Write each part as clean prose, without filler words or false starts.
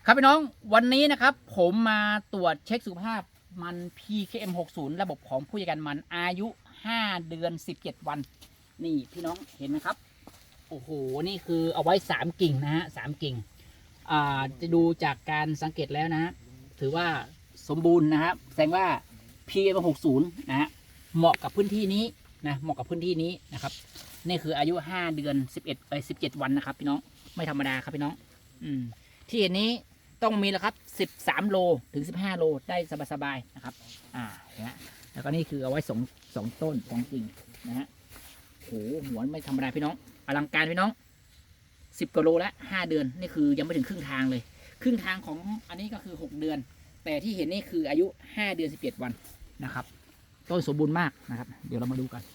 ครับพี่น้องวันนี้นะครับผมมาตรวจเช็คสุขภาพมัน PKM60 ระบบของผู้จัดการมันอายุ5เดือน17วันนี่พี่น้องเห็นไหมครับโอ้โหนี่คือเอาไว้3กิ่งนะฮะ3กิ่งจะดูจากการสังเกตแล้วนะฮะถือว่าสมบูรณ์นะครับแสดงว่า PKM60 นะฮะเหมาะกับพื้นที่นี้นะเหมาะกับพื้นที่นี้นะครับนี่คืออายุ5เดือน17วันนะครับพี่น้องไม่ธรรมดาครับพี่น้องที่เห็นนี้ต้องมีแล้วครับ13โลถึง15โลได้สบายๆนะครับนะแล้วก็นี่คือเอาไว้2ต้น2กิ่งนะฮะโหหัวไม่ธรรมดาพี่น้องอลังการพี่น้อง10กว่าโลแล้ว5เดือนนี่คือยังไม่ถึงครึ่งทางเลยครึ่งทางของอันนี้ก็คือ6เดือนแต่ที่เห็นนี่คืออายุ5เดือน11วันนะครับต้นสมบูรณ์มากนะครับเดี๋ยวเรามาดูกัน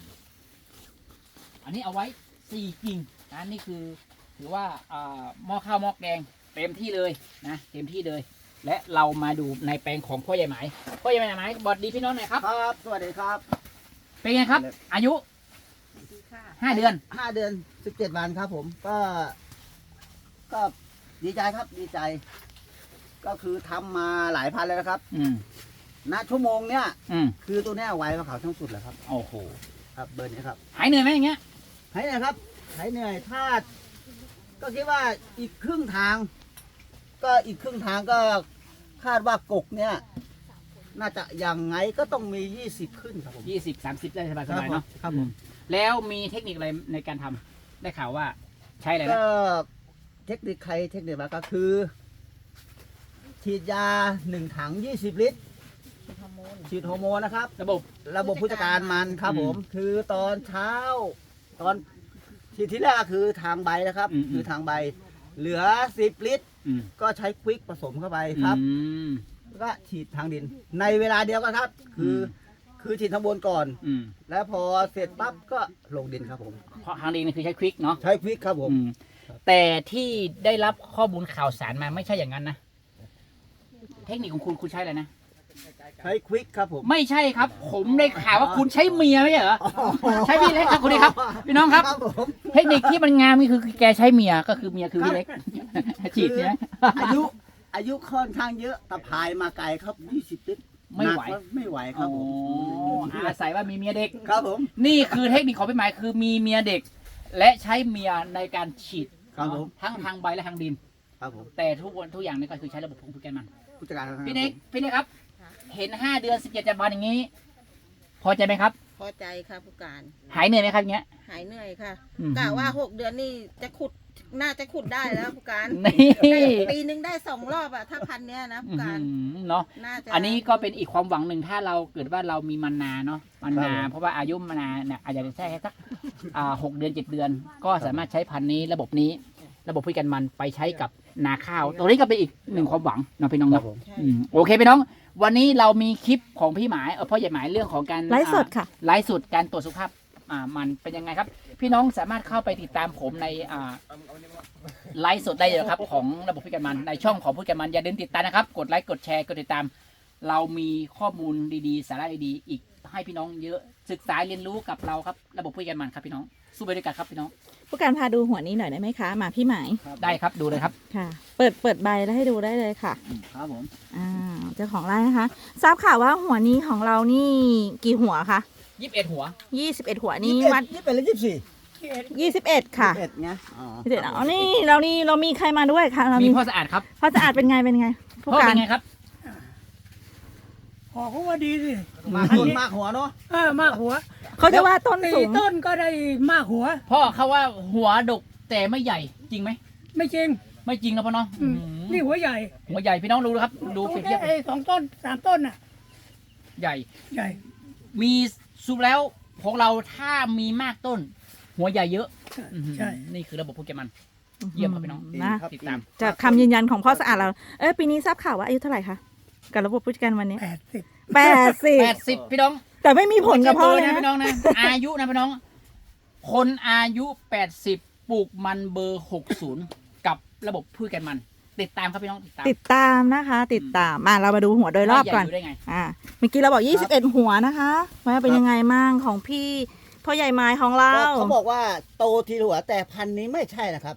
อันนี้เอาไว้4กิ่งนะนี่คือถือว่าหม้อข้าวหม้อแกงเต็มที่เลยนะเต็มที่เลยและเรามาดูในแปลงของพ่อใหญ่ไหมพ่อใหญ่ไหมบอดดีพี่น้องหน่อยครับครับสวัสดีครับเป็นไงครับอายุ5 เดือน 5 เดือน17 วันครับผมก็ดีใจครับดีใจก็คือทำมาหลายพันแล้วนะครับณชั่วโมงเนี้ยคือตัวเนี้ยไวกว่าเขาทั้งสุดเลยครับโอ้โหครับเบอร์นี้ครับหายเหนื่อยไหมอย่างเงี้ยหายเหนื่อยครับหายเหนื่อยถ้าก็คิดว่าอีกครึ่งทางก็คาดว่ากกเนี่ยน่าจะยังไงก็ต้องมี20ขึ้นครับผม 20-30ได้สบายๆเนาะครับผมแล้วมีเทคนิคอะไรในการทำได้ข่าวว่าใช้อะไรนะก็เทคนิคมาก็คือฉีดยา1 ถัง20 ลิตรฉีดฮอร์โมนนะครับระบบผู้จัดการมันครับผมคือตอนเช้าตอนฉีดที่แรกก็คือทางใบนะครับคือทางใบเหลือ10 ลิตรก็ใช้ควิกผสมเข้าไปครับแล้วก็ฉีดทางดินในเวลาเดียวกันครับคือฉีดทางบนก่อนแล้วพอเสร็จปั๊บก็ลงดินครับผมเพราะทางดินคือใช้ควิกเนาะใช้ควิกครับผมแต่ที่ได้รับข้อมูลข่าวสารมาไม่ใช่อย่างนั้นนะเทคนิคของคุณใช้อะไรนะใช้ควิกครับผมไม่ใช่ครับผมได้ข่าวว่าคุณใช้เมียไม่ใช่เหรอใช้พี่เล็กครับคุณดีครับพี่น้องครับเทคนิคที่มันงามนี่คือแกใช้เมียก็คือเมียคือพี่เล็กฉีดเนี่ยอายุค่อนข้างเยอะตะพายมาไกลครับ20 ลิตรไม่ไหวครับผมอาศัยว่ามีเมียเด็กครับผมนี่คือเทคนิคของพี่หมายคือมีเมียเด็กและใช้เมียในการฉีดครับผมทั้งทางใบและทางดินครับผมแต่ทุกอย่างนี่ก็คือใช้ระบบของผู้จัดการมันผู้จัดการพี่เล็กครับเห็น5 เดือน17 วันอย่างนี้พอใจไหมครับพอใจค่ะผู้การหายเหนื่อยไหมครับเงี้ยหายเหนื่อยค่ะกะว่า6 เดือนนี่จะน่าจะขุดได้แล้วผู้การปีนึงได้2 รอบอะถ้าพันเนี้ยนะผู้การเนาะอันนี้ก็เป็นอีกความหวังหนึ่งถ้าเราเกิดว่าเรามีมันนาเนาะมันนาเพราะว่าอายุมันนาเนี่ยอาจจะแค่สัก6 เดือน7 เดือนก็สามารถใช้พันนี้ระบบผู้จัดการมันไปใช้กับนาข้าวตัวนี้ก็เป็นอีกหนึ่งความหวังนะพี่น้องนะโอเคพี่น้องวันนี้เรามีคลิปของพี่หมายพ่อใหญ่หมายเรื่องของการไลฟ์สดค่ะไลฟ์สดการตรวจสุขภาพมันเป็นยังไงครับพี่น้องสามารถเข้าไปติดตามผมในไลฟ์สดได้เลยครับของระบบผู้จัดการมันในช่องของผู้จัดการมันอย่าลืมติดตามนะครับกดไลค์กดแชร์กดติดตามเรามีข้อมูลดีๆสาระดีๆอีกให้พี่น้องเยอะศึกษาเรียนรู้กับเราครับระบบผู้จัดการมันครับพี่น้องสู้ไปด้วยกันครับพี่น้องผู้การพาดูหัวนี้หน่อยได้ไหมคะมาพี่หมายได้ครับดูเลยครับค่ะเปิดใบแล้วให้ดูได้เลยค่ะครับผมเจ้าของไร่นะคะทราบข่าวว่าหัวนี้ของเรานี่กี่หัวคะ 21 หัว 21 หัวนี่วัด21หรือ 21ค่ะ 21ไง 21นี่เรามีใครมาด้วยคะมีพ่อสะอาดครับพ่อสะอาดเป็นไงพ่อเป็นไงครับหัวเขาว่าดีสิมากหัวเนาะมากหัวเขาจะว่าต้นสูงต้นก็ได้มากหัวพ่อเขาว่าหัวดกแต่ไม่ใหญ่จริงไหมไม่จริงนะพ่อเนาะนี่หัวใหญ่พี่น้องดูครับดูเปรียบเทียบ 2 ต้น 3 ต้นน่ะใหญ่มีสูบแล้วของเราถ้ามีมากต้นหัวใหญ่เยอะใช่นี่คือระบบผู้จัดการมันเยี่ยมครับพี่น้องนะติดตามจากคำยืนยันของพ่อสะอาดเราปีนี้ทราบข่าวว่าอายุเท่าไหร่คะกับระบบผู้จัดการวันนี้ 80พี่น้องแต่ไม่มีผลกับพ่อเลยนะพี่น้องนะอายุนะพี่น้องคนอายุ80ปลูกมันเบอร์60กับระบบผู้จัดการมันติดตามครับพี่น้องติดตามนะคะติดตามมาเรามาดูหัวโดยรอบก่อนเมื่อกี้เราบอก21 หัวนะคะว่าเป็นยังไงมั่งของพี่พ่อใหญ่ไม้ของเราเขาบอกว่าโตทีหัวแต่พันนี้ไม่ใช่นะครับ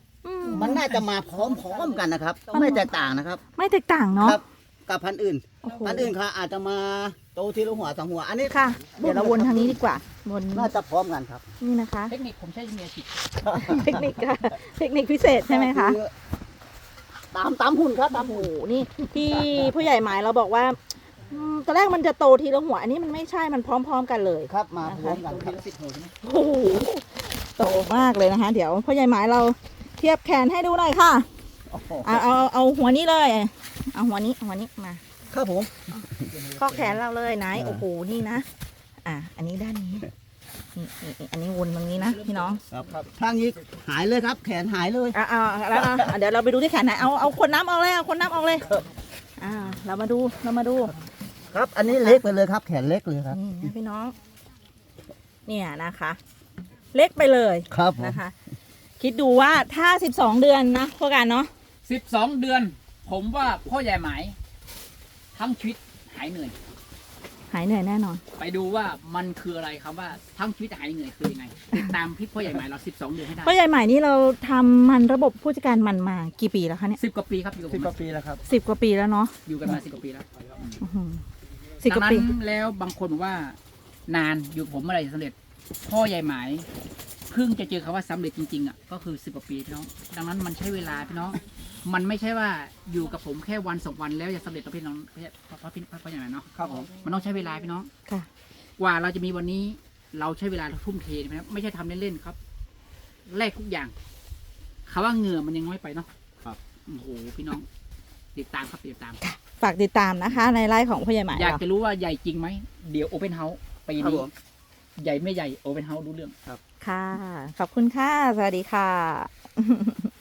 มันน่าจะมาพร้อมๆกันนะครับ ไม่แตกต่างนะครับไม่แตกต่างเนาะครับกับพันธุ์อื่นโอ้โหพันธุ์อื่นค่ะอาจจะมาโตทีละหัวสองหัว อันนี้ค่ะ เดี๋ยวเราวนทางนี้ดีกว่าวนน่าจะพร้อมกันครับนี่นะคะเทคนิคผมใช้เมียฉีดเทคนิคค่ะเทคนิคพิเศษใช่ไหมคะอตามหุ่นครับตามโอ้โหหุ่นนี่ที่ผู้ใหญ่หมายเราบอกว่าตอนแรกมันจะโตทีละหัว อันนี้มันไม่ใช่มันพร้อมๆกันเลยครับมาพร้อมกันดูคทีรับละ10 หัวใช่ไหมโอ้โหโตมากเลยนะคะ เดี๋ยวผู้ใหญ่หมายเราเทียบแขนให้ดูหน่อยค่ะโอ้โหเอาหัวนี้เลยเอาหัวนี้มาครับผมข้อแขนเราเลยไหนโอ้โหนี่นะอันนี้ด้านนี้นี่อันนี้วนตรงนี้นะพี่น้องครับทางนี้หายเลยครับ แขนหายเลยแล้วเดี๋ยวเราไปดูที่แขนไหนเอาคนน้ำออกเลยเอาคนน้ำออกเลยเรามาดูครับ อันนี้เล็กไปเลยครับ แขนเล็กเลยครับนี่นะพี่น้อง เนี่ยนะคะ เล็กไปเลยครับผมนะคะ คิดดูว่าถ้า12 เดือนนะพวกกันเนาะ 12 เดือน ผมว่าพ่อใหญ่หมายทั้งชีวิตหายเหนื่อยหายเหนื่อยแน่นอนไปดูว่ามันคืออะไรครับว่าทั้งชีวิตหายเหนื่อยคือยังไงติดตามพี่พ่อใหญ่หมายเรา12 เดือนให้ได้พ่อใหญ่ใหม่นี่เราทำมันระบบผู้จัดการมันมากี่ปีแล้วคะเนี่ย 10 กว่าปีครับอยู่กับผ 10 มกว่าปีแล้วครับ 10 กว่าปีแล้วเนาะอยู่กันมา10 กว่าปีแล้วอื้อหือ10 กว่าปีดังนั้นแล้วบางคนบอกว่านานอยู่กับผมเมื่อไหร่จะสำเร็จ พ่อใหญ่หมายเพิ่งจะเจอคำว่าสำเร็จจริงๆอ่ะก็คือ10 กว่าปีพี่น้องดังนั้นมันใช้เวลาพี่น้องมันไม่ใช่ว่าอยู่กับผมแค่วัน2 วันแล้วจะสำเร็จต่อพี่น้องพ่อใหญ่หมายเนาะครับผมมันต้องใช้เวลาพี่น้องค่ะกว่าเราจะมีวันนี้เราใช้เวลาทุ่มเทนะครับไม่ใช่ทำเล่นๆครับแลกทุกอย่างคำว่าเหงื่อมันยังน้อยไปเนาะครับโอ้โหพี่น้อง ติดตามครับติดตามฝากติดตามนะคะ ในไลฟ์ของพ่อใหญ่หมายอยากเราจะรู้ว่าใหญ่จริงไหมเดี๋ยวโอเ n นเฮาส์ปีครับนี้ผมใหญ่ไม่ใหญ่โอเ n นเฮาส์รู้เรื่องค่ะ ขอบคุณค่ะ สวัสดีค่ะ